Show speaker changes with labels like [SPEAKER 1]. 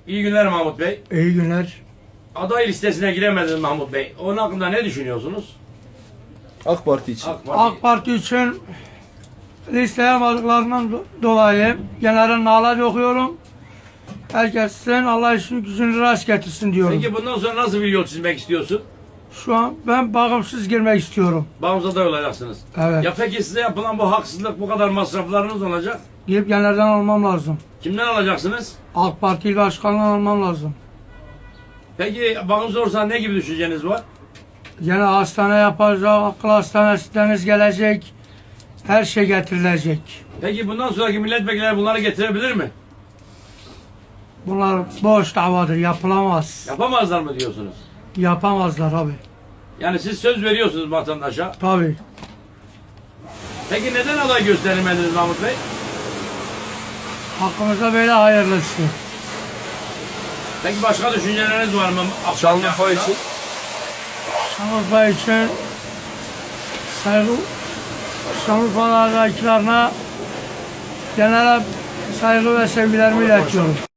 [SPEAKER 1] İyi günler Mahmut Bey.
[SPEAKER 2] İyi günler.
[SPEAKER 1] Aday listesine giremediniz Mahmut Bey. Onun hakkında ne düşünüyorsunuz?
[SPEAKER 3] AK Parti için.
[SPEAKER 2] AK Parti için listeye almadıklarından dolayı genelde nalar okuyorum. Herkesin Allah işini gücünü rast getirsin diyorum.
[SPEAKER 1] Peki bundan sonra nasıl bir yol çizmek istiyorsun?
[SPEAKER 2] Şu an ben bağımsız girmek istiyorum.
[SPEAKER 1] Bağımsız aday olacaksınız.
[SPEAKER 2] Evet.
[SPEAKER 1] Ya peki size yapılan bu haksızlık, bu kadar masraflarınız olacak.
[SPEAKER 2] Gidip genelden almam lazım.
[SPEAKER 1] Kimden alacaksınız?
[SPEAKER 2] AK Parti il başkanından almam lazım.
[SPEAKER 1] Peki bağımsız olursa ne gibi düşünceniz var?
[SPEAKER 2] Yine hastane yapacak, akıl hastanesi gelecek. Her şey getirilecek.
[SPEAKER 1] Peki bundan sonraki milletvekilleri bunları getirebilir mi?
[SPEAKER 2] Bunlar boş davadır, yapılamaz.
[SPEAKER 1] Yapamazlar mı diyorsunuz?
[SPEAKER 2] Yapamazlar abi.
[SPEAKER 1] Yani siz söz veriyorsunuz vatandaşa.
[SPEAKER 2] Tabii.
[SPEAKER 1] Peki neden aday gösterilmediniz Mahmut Bey?
[SPEAKER 2] Hakkımızda böyle hayırlısı.
[SPEAKER 1] Peki başka düşünceleriniz var mı?
[SPEAKER 3] Şanlıurfa için.
[SPEAKER 2] Şanlıurfa için saygı, Şanlıurfa'dakilerine genel saygı ve sevgilerimi iletiyorum.